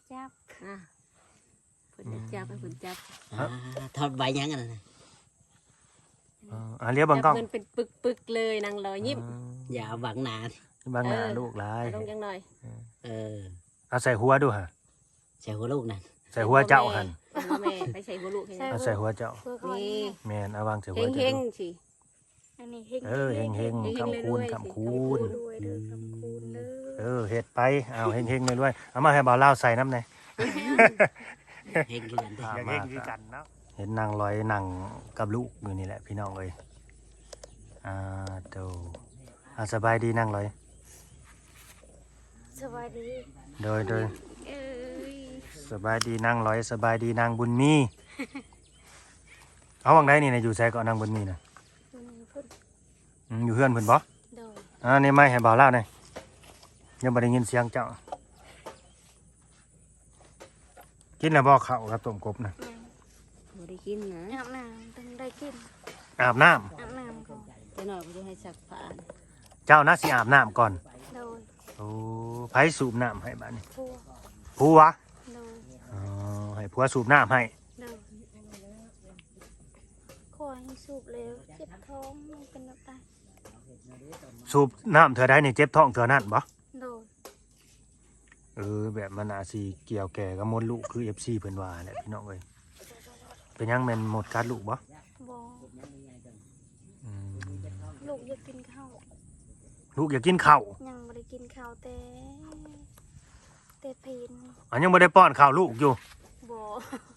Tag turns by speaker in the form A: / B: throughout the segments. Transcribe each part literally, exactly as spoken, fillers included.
A: จับ
B: อ่ะเพิ่นจะจับให้เพิ่นจับ
C: อ่าทอดใบยังกันนะ
D: อ่าเรียกเบังกล้อง
B: จับเงินเป็นปึกๆเลยนางลอยยิ้ม
C: อย่าเอาบังหนา
D: บางหน้า
B: เออ
D: ลูกหลาย
B: เอาลงจังหน่อย
C: เออ
D: เอาใส่หัวดูฮะ
C: ใส่หัวลูกนั่น
D: ใส่หัวเจ้าหัน
B: เอาหัวแม่ไปใส่บ่ลูกให้
D: เอาใส่หัวเจ้า
A: เพื่อคอย
B: นี่
D: แม่นเอาวางใส่หัว
B: เฮ
D: เจ้าง ดู
B: ๆสิ
A: อันนี้เฮง
D: เออเฮงเฮง
B: เฮงๆ
D: คำคูณ
B: รวยๆ
D: คำคูณ
B: สิ
A: รวยเด้อคำคูณเด้
D: เอ
A: อ
D: อเฮ็ดไปเอาเฮงเฮงเลยด้วยเอามาให้บ่าวเล่าวใส่น้ำหน่อย
C: เฮงเกิน
D: อยากเฮงคือกันเนาะเห็นนางลอยนางกับลูกอยู่นี่แหละพี่น้องเอ้ยอ่าโตอ่าสบายดีนางลอย
A: สวัสดี
D: โดยโดย
A: เอ้ย
D: สบายดีนางลอยสบายดีนางบุญมีเอาวังได้นี่นะอยู่แซ่ก็นางบุญมีนะ
A: มันพุ่น
D: อืมอยู่เฮือนเพิ่นบ่
A: โดย
D: อ่านี่ไม่ให้บ่าวเล่าวหน่อยยังบ่ได้ยินเสียงเจ้ากินแล้วบ่ข้าวกับต้มกบนะ
A: ยัง
B: บ่ได้กินนะ
A: อาบน้ำต้องได้กิน
D: อาบน้ำ
A: อาบน้ำก่อน
B: จะหน่อยบ่ได้ให้ซักผ้า
D: เจ้านะสิอาบน้ำก่อน
A: โดย
D: โอ้ไผสูบน้ำให้บ้านนี้
A: พัว
D: ผัว
A: โดย
D: อ๋อให้ผัวสูบน้ำให้
A: โดยคอยให้สูบเร็วเจ็บท้องมันเป็นแบบใด
D: สูบน้ำเธอได้นี่เจ็บท้องเธอนั่นบ่
A: โดย
D: เออแบบมันอาจสิเกี่ยวแก่กับมดลูกคือ เอฟ ซี เพิ่นว่าแหละพี่น้องเอ้ยเป็นหยังแม่นหมดกัดลูกบ่
A: บอ
D: อืม
A: ลูกอยากกินข้าว
D: ลูกอยากกินข้าว
A: ยังไม่ได้กินข้าวแต่แต่เพน
D: อันยังบ่ได้ป้อนข้าวลูกอยู่
A: บอ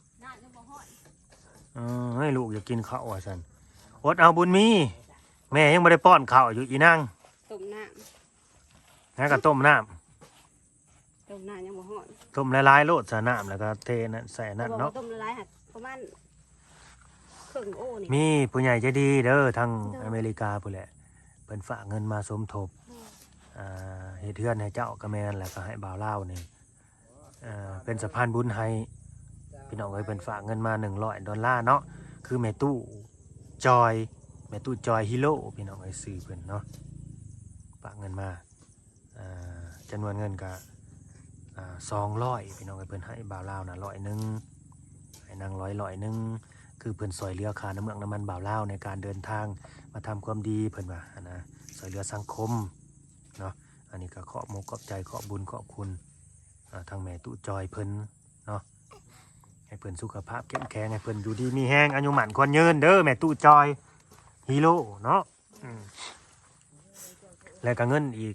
D: เออให้ลูกอยากกินข้าวว่าซั่นอดเอาบุญมีแม่ยังบ่ได้ป้อนข้าวอยู่อีนาง
B: ต้มน้
D: แล้วก็ต้มน้ำ
B: ำต้มน้ำยังบ่ฮอด
D: ต้มละลายๆโลดใส่น้ำแล้วก็เทนั่นใส่นั่น
B: บอก
D: เนาะ
B: ว่าต้มละลายหักประมาณครึ่งโอ้นี่
D: มีผู้ใหญ่ใจดีเด้อทางอเมริกาพุ่นแหละเพิ่นฝากเงินมาสมทบอ่าเฮ็ดเทือนให้เจ้ากระแมนแล้วก็ให้บ่าวลาวนี่อ่าเป็นสะพานบุญให้พี่น้องเอ้ยเพิ่นฝากเงินมาหนึ่งร้อยดอลลาร์เนาะคือแม่ตู้จอยแม่ตู้จอยฮีโร่พี่น้องเอ้ยซื้อเพิ่นเนาะฝากเงินมาอ่าจำนวนเงินก็อ่าสองร้อยพี่น้องเอ้ยเพิ่นให้บ่าวลาวน่ะร้อยหนึงให้นางร้อยร้อยหนึงคือเพิ่นซอยเหลือค่าน้ำเมืองน้ำมันบ่าวลาวในการเดินทางมาทำความดีเพิ่นว่านะซอยเหลือสังคมเนาะอันนี้ก็ขอบมกขอบใจขอบบุญขอบคุณอ่าทางแม่ตู้จอยเพิ่นเนาะให้เพิ่นสุขภาพเข้มแข็งให้เพิ่นอยู่ดีมีแห้งอายุหมันควรยืนเด้อแม่ตู้จอยฮีโร่เนาะอืมแล้วก็เงินอีก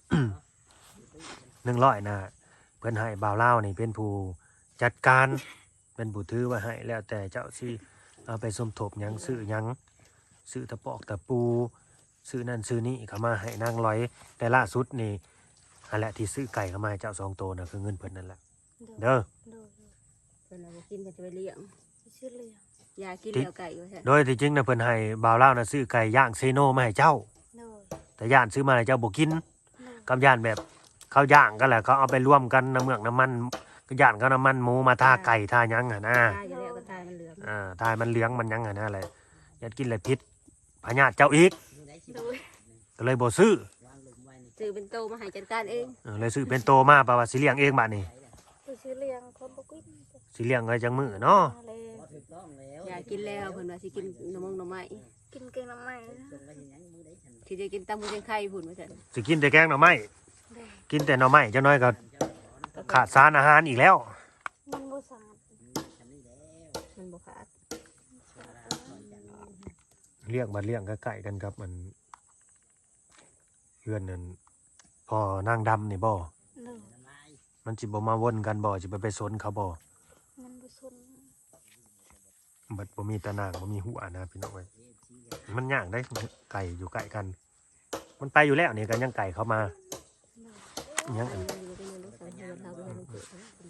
D: หนึ่งร้อยนะเพิ่นให้บ่าวลาวนี่เป็นผู้จัดการเป็นผู้ถือไว้ให้แล้วแต่เจ้าสิเอาไปสมทบหยังซื้อหยังซื้อตะปอกตะปูซื้อนั่นซื้อนี่เข้ามาให้นางร้อยแต่ล่าสุดนี่อันแหละที่ซื้อไก่เข้ามาให้เจ้าสองโตวนะคือเงินเพิ่นนั่นแหละเด้อ
A: โดย
B: เพิ่นเอาไปกินก็จะไปเลี้ยง
A: ชื่อเรียง
B: ยากินแล้วไก่ว่าซั่น
D: โดยที่จริงนะเพิ่นให้บ่าวลาวนะซื้อไก่ย่างเซโนมาให้เจ้า
A: โดย
D: แต่ย่านซื้อมาให้เจ้าบ่กิน
A: โดย
D: กับย่านแบบเขาย่างกันแหละเขาเอาไปร่วมกันน้ำเมือกน้ำมันก็ย่านเขาน้ำมันหมูมาทาไก่ทาหยังอ่ะนะ
B: ตายอยู่แล้วก็ตายมันเหลือง
D: อ่าทายมันเลี้ยงมันหยังอ่ะนะอะไรอย่ากินเลยพิษพญาติเจ้าอีก
A: โดย
D: ก็เลยบ่ซื้อ
B: ซื้อเป็นโตมาให้จัดการเอง
D: เออเลยซื้อเป็นโตมาปะว่าสิเลี้ยงเองบัดนี้
A: คือชื่อเรียงคนบกิน
D: สิเลี้ยงไว้จังมื้อเนาะ
A: มาเลย
B: ยากินแล้วเพิ่นว่าสิกินน้ำมงน้ำไม้
A: กินเกงน้ำมัน
B: ที่จะกินตำมือจังไข่พุ่นว่าซั่น
D: สิกินแต่แกงหน่อไม้
A: โดย
D: กินแต่หน่อไม้จังน้อยก็ขาดสารอาหารอีกแล้ว
A: มันบ่สาด
B: มันบ่ขาด
D: เลี้ยงบัดเลี้ยงก็ใกล้กันครับมันเพื่อนนั่นพอนางดำนี่บ่
A: โดย
D: มันสิบ่มาวนกันบ่สิไปไปสนเขาบ่
A: มันบ่สน
D: บัดบ่มีตะนางบ่มีหัวนะพี่น้องเอ้ยมันย่างได้ไก่อยู่ใกล้กัน มันไปอยู่แล้วนี่ก็ยังไก่เข้ามายังอัน
B: มันอยู่ในรถไฟเดินทางไปให้มันเกิด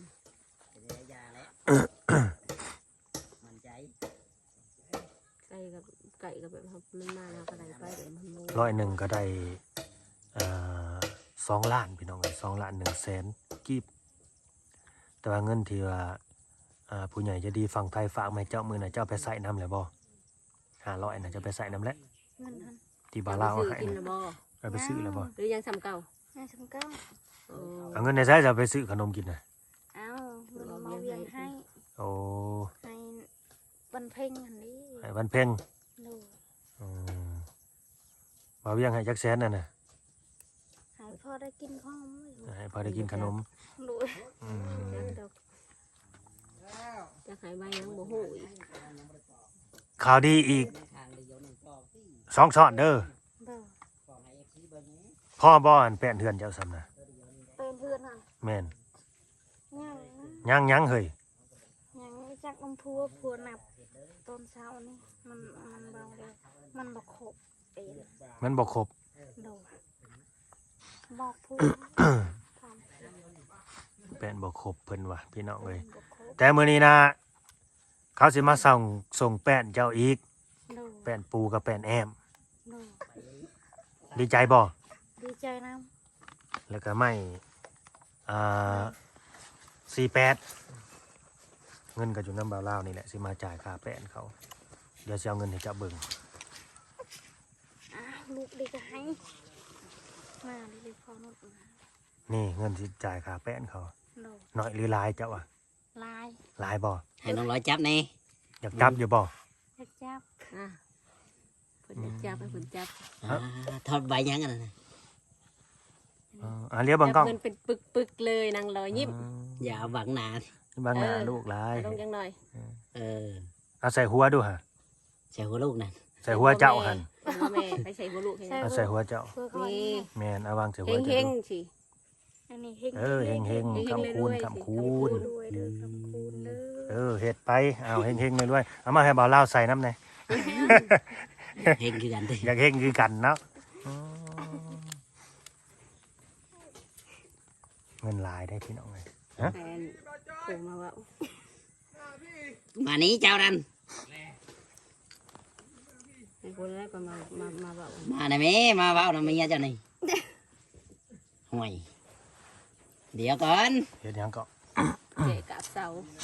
C: มันใจ
B: ไก่กับไก่กับแบบมันมาแล้วก็ได้ไปเดี๋ยวมันโล
D: ร้อยหนึ่งก็ได้อ่าสองล้านพี่น้องเอ้ยสองล้านหนึ่งแสนกีบแต่ว่าเงินที่ว่าอ่าผู้ใหญ่จะดีฝั่งไทยฝากมาให้เจ้ามือน่ะเจ้าไปใส่น้ำแล้วบ่ห้าร้อยน่ะจะไปใส่น้ำแล้ว
A: เงินทัน
D: ที่บาลาวเอาให้
B: กิน
D: น่ะ
B: นะบ่
D: เอาไปซื้อแล้วบ่
B: หรือยังซ้ำเก่า
A: ห้าสิบเก้า
B: โอ้
D: เอาเงินในใช้จะไปซื้อขนมกินน่ะ
A: เอ้าวียงให้
D: โอ้
A: ให้วันเพ่งอันนี้
D: ให้วันเพ็ง
A: โดย
D: อืมบ่าวเวียงให้จักแสนนั่นน่ะ
A: ให้พ่อได้กินข้าวมั้ย
D: ให้พอได้กินขนม
A: โดย
D: อืม
B: จักดอกจะขายใบยังบ่ฮู้อีก
D: ข่าวดีอีกสองซ้อนเด้อ
A: โดย
D: พ่อบ่อันแป้นเฮือนเจ้าซ้ำน่ะ
A: เป็นเพื่อนอ่ะ
D: แม่น
A: ยังนะ
D: ยังยังเฮ้ย
A: ยังไม่จักน้ำพัวพัวหนับตอนเช้านี่มันมันเบาเลยมันบอกขบเอง
D: มันบ่ครบ
A: โดยบอกพูดทำ
D: แป้นบ่ครบเพิ่นว่ะพี่น้องเอ้ย
A: บอกขบ
D: แต่มื้อนี้นะเขาสิมาส่งส่งแป้นเจ้าอีก
A: โดย
D: แป้นปูกับแป้นแอม
A: โดย
D: ดีใจบ่
A: ดีใจนะ
D: แล้วก็ไม่อ่าสี่แปดเงินก็อยู่น้ำบ่าวลาวนี่แหละสิมาจ่ายค่าแป้นเขาเดี๋ยวสิเอาเงินให้เจ้าเบิ่ง
A: อ้าวลูกดีก็ให้มาดีพอนุดมา
D: นี่เงินสิจ่ายค่าแป้นเขา
A: โดย
D: น้อยหรือหลายเจ้าอ่ะ
A: ลาย
D: หลายบ่
C: ให้น้องร้อยจับนี่
D: อยากจับอยู่บ่
A: จับจับ
B: อ่ะเพิ่นจะจับให้เพิ่นจับ
C: อ่าทอดใบยังกันนะ
D: เอออ่าเรียกเบังกล้
B: จั
D: อง
B: เงินเป็นปึกๆเลยนางลอยยิ้ม
C: อย่าเอาบังหนา
D: บางหน้า
B: เออ
D: ลูกหลาย
B: ลงจังหน่อย
C: เออ
D: เอาใส่หัวดูฮะ
C: ใส่หัวลูกนั่น
D: ใส่หัวเจ้าหัน
B: เป็นบ่แม่ไปใส่บ่ลูกให้
D: เอาใส่หัวเจ้า
A: เพื่อคอย
B: นี่
D: แม่นเอาวางใส่หัว
B: เฮ
D: เจ้าง ดู
B: ๆสิ
A: อันนี้เฮง
D: เออเฮงเฮง
B: เฮงๆ
D: คำคูณ
B: เรื่อยๆ
D: คำคูณ
A: รวยเด้อคำคูณเด้
D: เอ
A: อ
D: อเฮ็ดไปเอาเฮงเฮงเลยด้วยเอามาให้บ่าวลาวใส่น้ำหน่อย
C: เฮงคือกันดิ
D: อยากเฮงคือกันเนาะอืมเงินหลายได้พี่น้องเลย ฮะ
B: แฟนโผล่มาว่า
C: มานี้เจ้านั่น
B: ไอ้คนแรกก็มามามาว่า
C: มาหน่อยแม่มาเว้าหน่อยเมียเจ้านี่ห่วย เดี๋ยวก่อน
D: เฮ็ดหยังก็
B: เกะกับเสา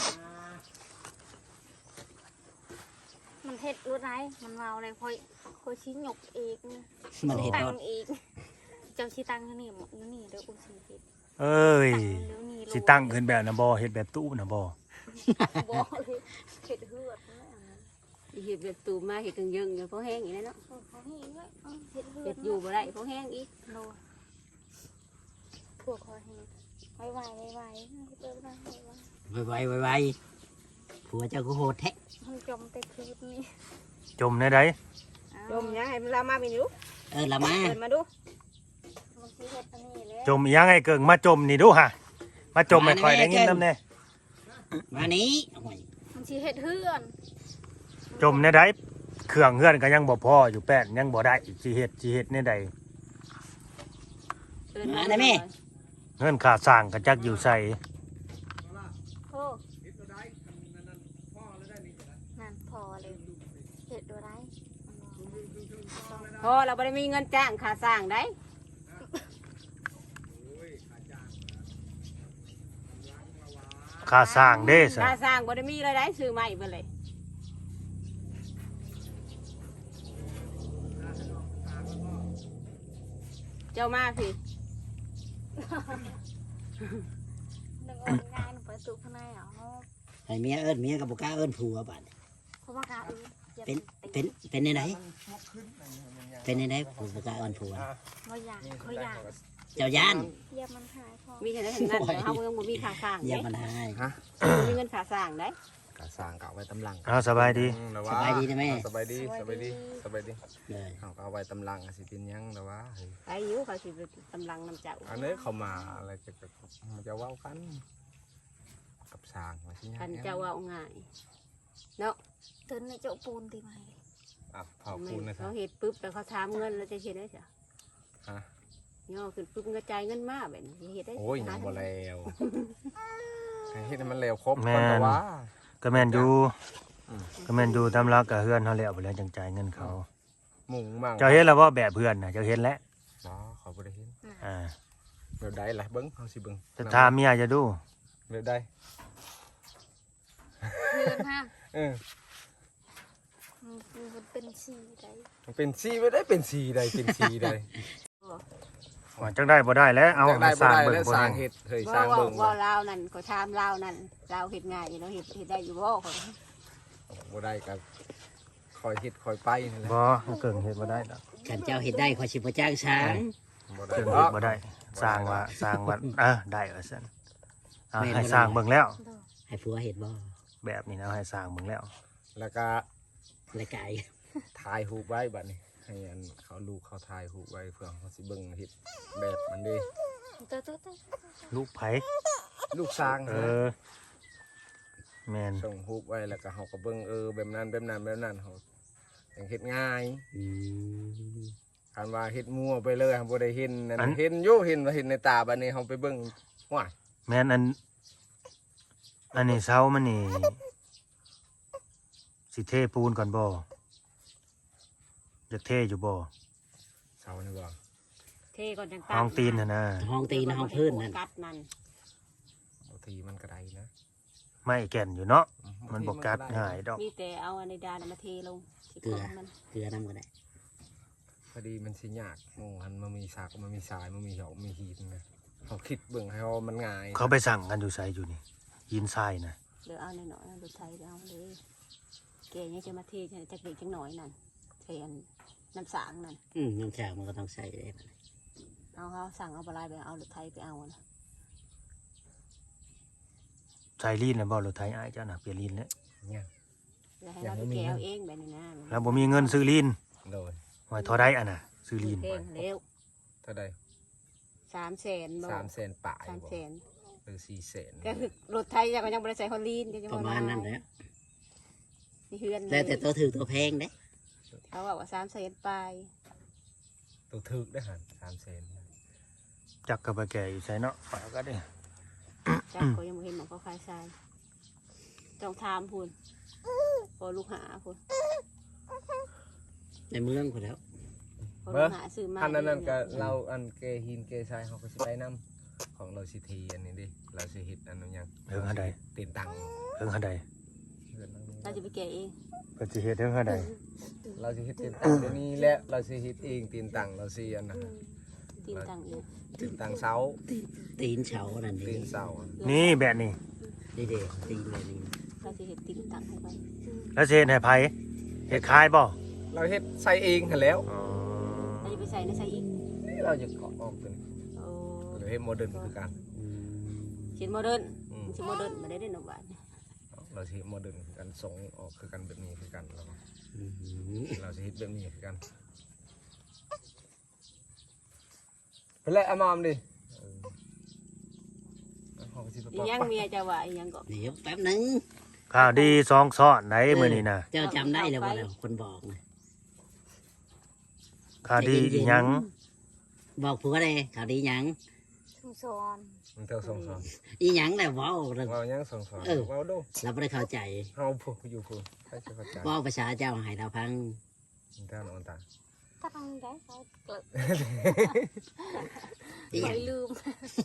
A: มันเฮ็ดรู้ไรมันเมาเลยคอยคอยชี้หยกอีก
C: มันเห็น
A: ตั
C: รง ถ
A: อีกเจ้าชี้ตังอยู่นี่หมดอยู่นี่เด้อกูชี้เฮ็ด
D: เอ้ย
A: ตังเดี๋ยวนี้
D: สิตั้งขึ้นแบบนะบ่เฮ็ดแบบตู้นะบ่
A: บ่เลยเฮ็ดเฮือดนั่นแหละ
B: เห็ดแบบตูมมาเห็ดกังยึงอย่างพอแห้งอีกแล้วเนาะ
A: เออเขาให้ด้วยเออเฮ็ดเฮือ
B: เห็
A: ด
B: ดอยู่บ่ได้พอแห้งอีก
A: โลพวกคอยให้ไว้ไว้ไว้ไว้เปิดมาไว้ไว้
C: ไวไวไวไวผัวเจ้าก็โหดแท้
A: มันจมแต่คืนนี้
D: จมในใด
B: ดมยังให้มันลามาไปดู
C: เออละมา
B: เปิดมาดู
A: มันชี้เฮ็ดอันนี้แหละ
D: จมอีหยังให้เกิงมาจมนี่ดูฮะมาจมให้ข่อยได้ยินนำแน่
C: มานี้ห่วย
A: มันชี้เฮ็ดเฮือน
D: จมในใดเครื่องเฮือนก็ยังบ่พออยู่แป้นยังบ่ได้อีกสิเฮ็ดสิเฮ็ดในใด
B: เปิด
C: มาหน่อยแม่
D: เงินค่าสร้างก็จักอยู่ใส่
A: โอ้นั่นพอเลยเฮ็ดดูไร
B: พอเราไม่ได้มีเงินจ้างค่าสร้างได้
D: ค่าสร้างเด้ซะ
B: ค่าสร้างบ่ได้มีเลยได้ซื้อใหม่ไปเลยเจ้ามาพี่
A: นึกว่าง่ายหนูไปสู่ข้างในเหรอ
C: ให้เมียเอิ้นเมียกับบุกล้าเอิ้นผัวบัด
A: เพราะว่ากาอื่นอย่า
C: เป็น
A: เป็
C: เป็น นเป็นในไหนเป็นในไหนผัวบุกล้าเอิ้นผัว
A: เขาอยากเขาอยาก
C: เจ้าย่าน
A: อย่ามันหายพอ
B: มีแค่นั้นเห็นนั่นแต่เขาเมืองบ่มีค่าสร้าง
C: อย่า
B: เด้
C: มันหาย
B: บ่มีเงินค่าสร้างได้
E: กะสร้างเก่าไว้ตำลัง
D: เอาสบายดี
E: อืมแต่ว่
C: สบายดีนะแม่
E: สบายดีสบายดีสบายดี
C: เลย
E: เอาก็เอาไว้ตำลังสิเป็นหยังแต่ว่าเฮ้ย
B: ไปอยู่เขาสิไปกำลังนำเจ้า
E: อันนี้เขามาอะไรจะจะมันจะเว้ากัน กับสร้างว่าสิหยัง
B: คันเจ้าว่าง่ายเนาะ
A: เตือนในเจ้าปูนตีไหม
E: อ่ะเผาคูณนะครั
B: เขา
E: บ
B: เห็ดปุ๊บแต่เขาถามเงินแล้วจะเห็ดได้จ้ะ
E: ฮะ
B: ย่อขึ้นปุ๊บกระจายเงินมาแบบนี้เห็ดได้
E: โอ้ยยังบ่แล้วให้เฮ็ดให้มันแล้วครบ
D: แม่
E: ก่อน
D: น
E: แต่ว่า
D: ก็แม่นอยู่
E: อืม
D: ก็แม่นอยู่ตามหลักก็เฮือนเฮาแล้วบ่แล้วจังจ่ายเงินเขา
E: หมุงมั่ง
D: เจ้าเห็นแล้วบ่แบบเพื่อนน่ะเจ้าเห็นแล้ว
E: บ่เขาบ่ได้เห็น
D: อ่า
E: เดี๋ยวได้ล่ะเบิ่งเฮาสิเบิ่ง
D: จะถามเมียจะดู
E: เดี๋ยวได้
A: เพื่อนฮะ
E: เออ
A: มันเป็นสีใด
E: มันเป็นสีบ่ได้เป็นสีใดเป็นสีใด
D: ว่าจังได้บ่ได้แล้วเอา
E: จังได้
D: ส
E: บ่
D: ร้าง
E: ได้
D: เบิ่ง
E: แล้ว
D: บ่
E: สร้า
D: แห้
E: ง
D: ง
E: เฮ็ดเฮ้ยส
B: ว่า
E: ร้าง
B: ว่า
E: เบิ่ง
B: ว่าลาวนั่นก็ถามลาวนั่นลาวเฮ็ดง่ายอยู่เนาะเฮ็ดเฮ็ดได้อยู่บ่เขา
E: บ่ได้ก็คอยเฮ็ดคอยไปนี่แหละ
D: บ่เกิงเฮ็ดบ่ได้ดอก
C: ขันเจ้าเห็ดได้ขอชิบจ้างช้าง
E: บ่ได้
D: เกิง
E: ด
D: เฮ็
E: อ
D: ด
E: ก
D: บ่ได้สร้างว่าสร้างว่าเออได้ว่าซั่นเอาให้สร้างเบิ่งแล้ว
A: โดย
C: ให้ผัวเห็ดบ่
D: แบบนี้นะให้สร้างเบิ่งแล้ว
E: แล้วก็
C: รายกาย
E: ถ่ายรูปไว้บัดนี้ให้อันเขาลูกเขาถ่ายรูปไว้เพื่อเขาสิเบิ่งเฮ็ดแบบมันเด้
A: เตอเตอเตอ
D: ลูกไผ
E: ลูกสร้าง
D: เอ
E: นะ
D: อแม่น
E: ส่งรูปไว้แล้วก็เขาก็เบิ่งเออแบบนั้นแบบนั้นแบบนั้นเขาจังเฮ็ดง่าย
C: อืม
E: คันว่าเฮ็ดมั่วไปเลยเขาบ่ได้เห็นนั่นเห็นอยู่เห็นว่าเห็นในตาบัดนี้เขาไปเบิ่งว้าย
D: แม่นอันอันนี้เสามันนี่สิเทปูนก่อนบ่อยากเทอยู่บ่
E: เสานี่บ่
B: เทก่อนจัง
D: ห้องตีนน่ะนะ
C: ห้องตีนห้องพื้นนั่น
B: กัดนั่น
E: บางทีมันก็ได้นะ
D: ไม่แก่นอยู่เนาะ
E: อื
D: มัน
E: บ
D: บ่
E: งที
D: กัด
E: ไ
D: ง่ายดอก
B: มีแต่เอาอันในดานมาเทลงที่กองมัน
C: เกลือน้ำก็ได้
E: พอดีมันสิยากหมู่หันมันมีสากมันมีสายมันมีเหามีหีดนะเขาคิดเบิ่งให้ว่ามันง่าย
D: เขาไปสั่งกันอยู่ไสอยู่นี่ยินทรายนะ
B: เดี๋ยวเอาหน่อยๆนะรถไทยเดี๋ยวเอาเลยแกยังจะมาเทจักเด็กจังหน่อยนั่นเทอันน้ำสางนั่น
C: อืมน้ำชามันก็ต้องใส่ได้
B: เอาเขาสั่งเอาปลายไปเอารถไทยไปเอานะ
D: ใส่ลีนน่ะบ่รถไถอ้ายเจ้าน่ะเปลี่ยนลีนแล้ว
E: เนี่ย
B: แล้วให้เราไปแกเอาเองแบบนี้นะ
D: แล้วบ่มีเงินซื้อลีน
E: โดย
D: ไว้เท่าใดอ่ะน่ะซื้อลีน
B: เพลงเร็ว
E: เท่าใด
B: สามแสนบ่
E: สามแสนป่าย
B: สาม
E: บ่
B: แสน
E: หรือสี่แสน
B: ก็คือรถไทยก็ยังบริใส่ฮอลลีนก็ยัง
C: ประมาณนั้นแหละ
B: มีเฮือน
C: แล้วแต่ตัวถือตัวแพงเด้
B: เขาบอกว่าสามแสนปลาย
E: ตัวถึกได้หันสามแสน
D: จักก็ไปแก่อยู่ไสเนาะฝากก็ได้
B: จักก็ยังไม่เห็นหมองเขาขายทรายต้องถามพูนพอลูกหาพูน
C: ในเมืองคนแล้ว
B: พอลูกหาซื้อมา
E: อันนั้นนั่นก็เราอันเกหินเกทรายเขาก็สิไปนํของเราสิทีอันนี้ดิเราสิเฮ็ดอันนั้นหยัง
D: เฮิงหาใด
E: ตีนตัง
D: เฮิงหาใด
E: เฮือนหลังนี้
B: เราจะไปแกะเอง
D: เพิ่นสิเฮ็ดเฮิงหาใด
E: เราสิเฮ็ดตีนตังเดี๋ยวนี้แหละเราสิเฮ็ดเองตีนตังเราสิอันนั้น
B: ตีนตังเอง
E: ตีนตังเสา
C: ตีนเฉานั่น
E: ตี
C: เอง
E: นเสาอะ
D: นี่แบบนี้
C: นี่เด็ตีนแบบนี้
B: เราจะเห็ดตีนตังให้ไป
D: แล้วสิเฮ็ดให้ไผเฮ็ดขายบ่
E: เราเฮ็ดใส่เองหั่นแล้ว
D: อ๋อ
B: เราจะไปใส่ในใส่อีก
E: นี่เราจะเกาะออกตัวนี้
B: โอ้
E: เราเฮ็ดโมเดิร์นคือกัน
C: อืม
B: เขียนโมเดิร์น
E: อืม
B: ชิ้นโมเดิร์นมาได้ได้หนึ่งบาท
E: เราสิเฮ็ดโมเดิร์นคือกันส่งออกคือกันแบบนี้คือกันเรา
C: อืม
E: เราสิเฮ็ดแบบนี้คือกันไปเลยเอามามดิเออเอาของสิไป
B: อี
E: ปอก
B: ยังเมียจะว่าอียังก็
C: เดี๋ยวแป๊บหนึง
D: ข้าวดีสองซ้อนไหนมื้อนี้น่ะ
C: เจ้าจำได้แล้วบ่แล้วคนบอกนะ
D: ข้าวดีอีหยัง
C: บอกผัวเลยข่าวดีหยัง
A: ชุมซอน
E: มันเท่าสองสอง
C: อีหยังแหละเว้าเรา
E: เรายังสองสอง
C: เออ
E: เราดู
C: เราไม่ได้เข้าใจ
E: เฮาผู้อยู่ผู้ใครจะเข้าใจ
C: เว้าภาษาเจ้าให้เราพัง
E: มันเท่านอนตา
A: ถ้าทำได้เขาเกิด
C: อีหยัง
A: ไม่ลืม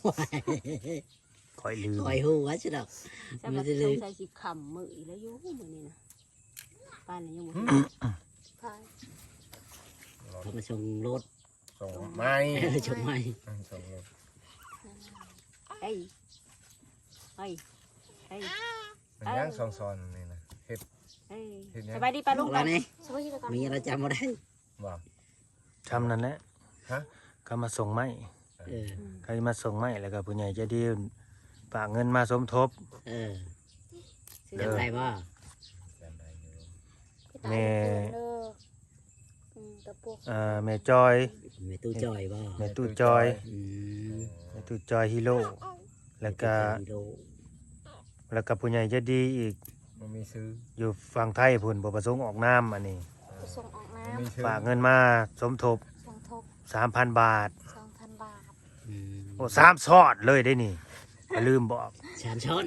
D: ค่อยลืม
C: คอยฮู้ว่าสิดอก
B: จะมาสงสัยสิขำมืออีแล้วอยู่มือนี่นะป้านนี่ยังบ่
A: พาย
C: เขามาชงรถ
E: ส่งไม้
C: เออชงไม่
E: ส่งรถ
B: เฮ้ยเฮ้ยเฮ้ย
E: มันยังสองซ้อนนี่นะเฮ็ด
B: เฮ้ย
E: เห็นยัง
B: สบายดีป้าลุง
C: ว่าไง
A: สวัสดีครับ
C: มีอะไรจำบ่ได้
E: บ่
D: ทำนั่นแหละ
E: ฮะ
D: ก็มาส่งไม้
C: เออ
D: ใครมาส่งไม้แล้วก็ผู้ใหญ่ใจะดีฝากเงินมาสมทบ
C: เออจำได้บ่
E: จำได้อยู่
D: แม่
A: เด้ออืมตะปุก
D: เอ่อแม่จอย
C: แม่ตู้จอยบ่
D: แม่ตู้จอย
C: อืม
D: แม่ตู้จอยฮีโร่แล้วก็
C: ฮีโร่
D: แล้วก็ผู้ใหญ่ใจะดีอีก
E: มันมีซื้อ
D: อยู่ฝั่งไทยพุ่นบ่ประสงค์ออกน้ำอันนี้
A: ส่งออกน้
E: มันมีซื้อ
D: ฝากเงินมาสมทบ
A: ำส่งทบ
D: สามพันบาท
A: สองพันบาท
C: อืม
D: โอ้สามซอดเลยได้นี่อย่าลืมบอก
C: สามช้อน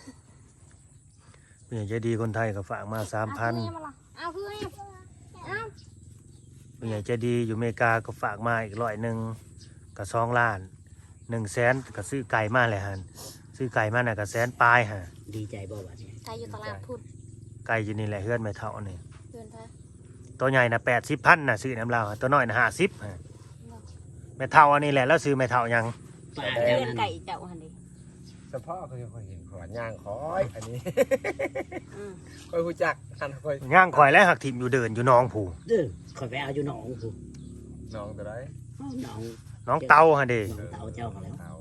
D: ผู้ใหญ่ใจดีคนไทยก็ฝากมาสามพัน
A: เอาเพื่อนเอา
D: ผู้ใหญ่ใจดีอยู่อเมริกาก็ฝากมาอีกร้อยหนึ่งก็สองล้านหนึ่งแสนก็ซื้อไก่มาเลยฮันซื้อไก่มาน่ะก็แสนปลายฮะ
C: ดีใจบ่บัดนี้
A: ใครอยู่ตลาดพุทธ
D: ไก่อยู่นี่แหละเฮือนไม่เท่านี่
A: เดือนไทย
D: ตัวใหญ่น่ะแปดสิบพันน่ะซื้อน้ำลาวตัวน้อยน่ะห้าสิบฮะไปม่เท่าอันนี้แหละแล้วซื้อแม่เท่ายัง
C: ป้า
B: เลี้
C: เจ้าย
B: ง
C: นั่น
B: ไก่เจ้าหันดิ
E: เฉพาะเขาจะคอยเห็นขวานย่างคอยอันนี้
B: อืม
E: คอยรู้จักอันคอย
D: ย่างข่อยและหักถิ่มอยู่เดินอยู่น้องผู้
C: เด้อคอยไปเอาอยู่หนองผู้
E: น้องตัวไร
C: หนอง
D: น้องเตาฮะเด้
C: หนองเตาเจ้าเขาแล้ว
E: เตา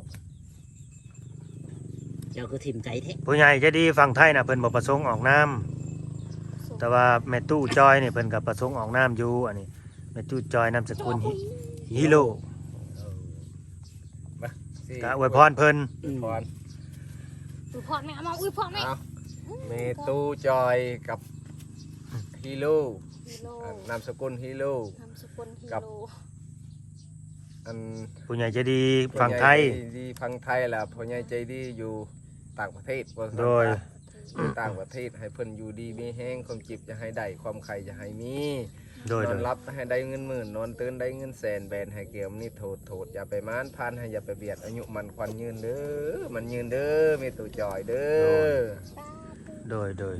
C: เจ้าคือทิมใจแท้
D: ผู้ใหญ่ใจะดีฝั่งไทยน่ะเพิ่นบ่ประสงค์ออกน้ำแต่ว่าแม่ตู้จอยนี่เพิ่นก็ประสงค์ออกน้ำอยู่อันนี้แม่ตู้จอยนามสกุลฮิฮิโร่
E: เออมาสิ
D: ก็อวยพรเพิ่น
C: อืม
E: พร
A: อุ้ยพ่อแม่เอามาอุ้ยพ่อแม่
E: เอาเมตูจอยกับฮีโร่
A: ฮีโร่
E: อันนามสกุลฮีโร่
A: นามสกุลฮี
E: กับ
A: โร่
E: อัน
D: ผู้ใหญ่ใจะดีฝั่งไทย
E: พ่อใหญ่ใจดีฝั่งไทยแหละพ่อใหญ่ใจดีอยู่ต่างประเทศว่าซั่น
D: โดย
E: ซะอยู่ต่างประเทศให้เพิ่นอยู่ดีมีแห้งความจิบจะให้ได้ความไข่จะให้มี
D: โดย
E: น
D: โด
E: อน
D: ย
E: รับให้ได้เงินหมื่นนอนตื่นได้เงินแสนแบนให้เกี่ยวนี่โทษโทษอย่าไปม้านพานให้อย่าไปเบียดอายุมันควันยืนเด้อมันยืนเด้อมีตัวจอยเด้อ
D: โดยโดย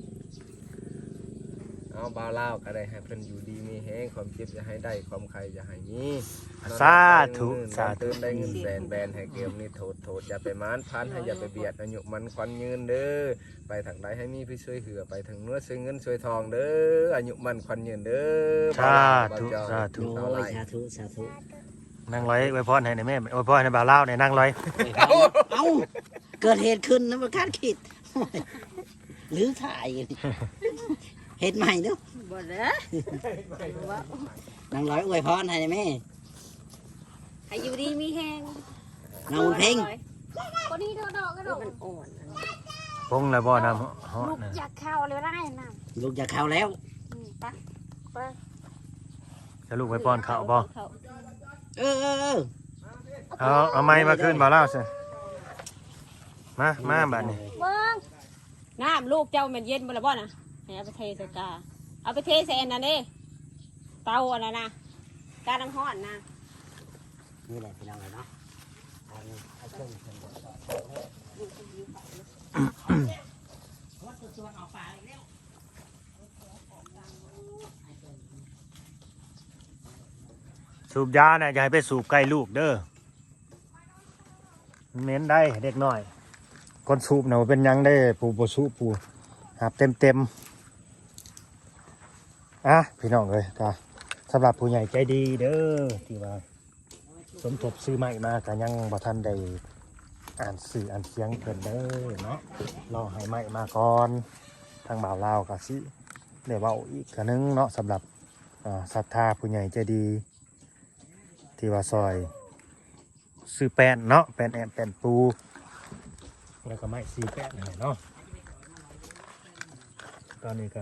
E: เอาบ่าวเล่าวก็ได้ให้เพิ่นอยู่ดีมีแห้งความจิบจะให้ได้ความไข่จะให้มี
D: สาธุ
E: นอน
D: สา
E: รับ
D: ธุ
E: ได้เงินแสนแบนให้เกี่ยวนี่โทษโทษอย่าไปม้านพานให้อย่าไปเบียดอายุมันควันยืนเด้อไปทางใดให้มีพี่ช่วยเหือไปทางเนื้อช่วยเงินช่วยทองเด้ออายุมันควันยืนเด้อ
D: สาธุ
E: บ่าว
D: สา
E: เจ้
D: ธุ
C: โอ้ยสาธุสาธุ
D: นั่งร้อยอวยพรให้หน่อยแม่อวยพรให้บ่าวเล่าวหน่อยนั่งร้อย
C: เอ้าเกิดเหตุขึ้นนะมันคาดคิดหรือถ่ายเห็ดใหม่เนาะ
B: บ่เด้อว่า
C: นางร้อยอวยพรให้แม่
B: ให้อยู่ดีมีแห้ง
C: นางบุญเพ่ง
A: คนนี้เดอกดอกกระโดด
B: มันอ่อนอันนี้
D: พงแล้วบ่น้ำฮอ
A: ลูก
D: นะ
A: อยากเข้าเลยได้น้
C: ลูกจะเข้าแล้ว
A: ำอืมไปไป
D: จะลูกไว้ป้อนข้าวบ่
C: เออเออเออ
D: เอาเอาไม้มาขึ้นบ่าวเล่าวสิมามาบัดนี้
A: เบิ้ง
B: น้ำลูกเจ้ามันเย็นบ่ละบ่น่ะให้เอาไปเทใส่กาเอาไปเทใส่อันนั้นเด้เตาอันนั้นนะกาน้ำร้อนนะ
C: นี่แหละพี่น้องเลยเนาะเอาเอาเครื่องขึ้นบ่
D: สูบยาเนี่ยอย่าให้ไปสูบใกล้ลูกเด้อมันเหม็นได้เด็กน้อย คนสูบเนาะเป็นหยังได้ปูบ่สูบปูหับเต็มเต็มๆอ่ะพี่น้องเลยก็สำหรับผู้ใหญ่ใจดีเด้อที่ว่าสมทบซื้อใหม่มาก็ยังบ่ทันได้อ่านสื่ออ่านเสียงเพิ่นเด้อเนาะรอให้ใหม่มาก่อนทางบ่าวลาวก็สิได้เว้าอีกกะนึงเนาะสำหรับอ่าศรัทธาผู้ใหญ่ใจดี ที่ว่าซอยซื้อแป้นเนาะแป้นแอนแป้นปูแล้วก็ไม้ซีแป้นให้เนาะตอนนี้ก็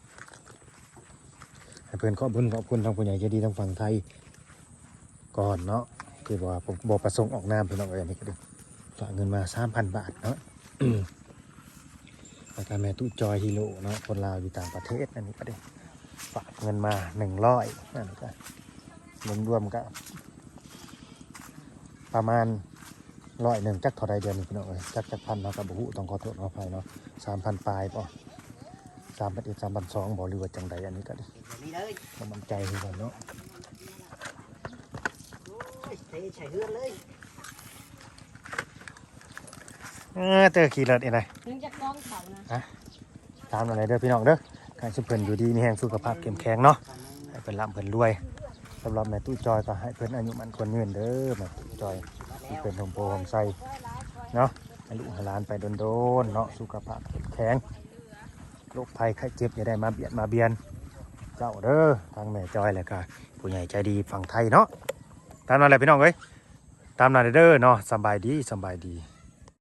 D: ให้เพื่อนขอบคุณขอบคุณทางผู้ใหญ่ใจดีทางฝั่งไทยก่อนเนาะคือว่าผมบอกประสงค์ออกนามเพื่อนเอาไว้อันนี้ก็ดีฝากเงินมาสามพันบาทเนาะ แล้วก็แม่ตู้จอยฮีโร่เนาะคนลาวอยู่ต่างประเทศอันนี้ก็ดีฝากเงินมาหนึ่งร้อยนั่นก็รวมๆก็ประมาณร้อยหนึ่งจักเท่าไรเดือนนี่พี่น้องเอ้ยจักจักพันเนาะกับบุหุต้องขอโทษขออภัยเนาะสามพันปลายป่ะสามพันเอ็ดสามพันสองบอกหรือว่าจังใดอันนี้ก็ดิ
C: นี่เลย
D: ต้องมั่นใจคือกันเนาะ
C: เทใส่เฮือนเลย
D: เออเจอขี่รถเองไง
B: ถึงจะกล้องเขานะ
D: ตามอะไรเด้อพี่น้องเด้อการสุเพิ่นอยู่ดีมีแห่งสุขภาพเข้มแข็งเนาะให้เพิ่นร่ำเพิ่นรวยสำหรับแม่ตู้จอยก็ให้เพิ่นอายุมันคนยืนเด้อแม่ตู้จอยที่เป็นหมโพหมไส้เนาะให้ลูกให้หลานไปโดนๆเนาะสุขภาพเข้มแข็งโรคภัยไข้เจ็บอย่าได้มาเบียดมาเบียนเจ้าเด้อทางแม่จอยแหละก็ผู้ใหญ่ใจดีฝั่งไทยเนาะตามนั้นแหละพี่น้องเอ้ยตามนั้นเด้อเนาะสำบายดีสำบายดี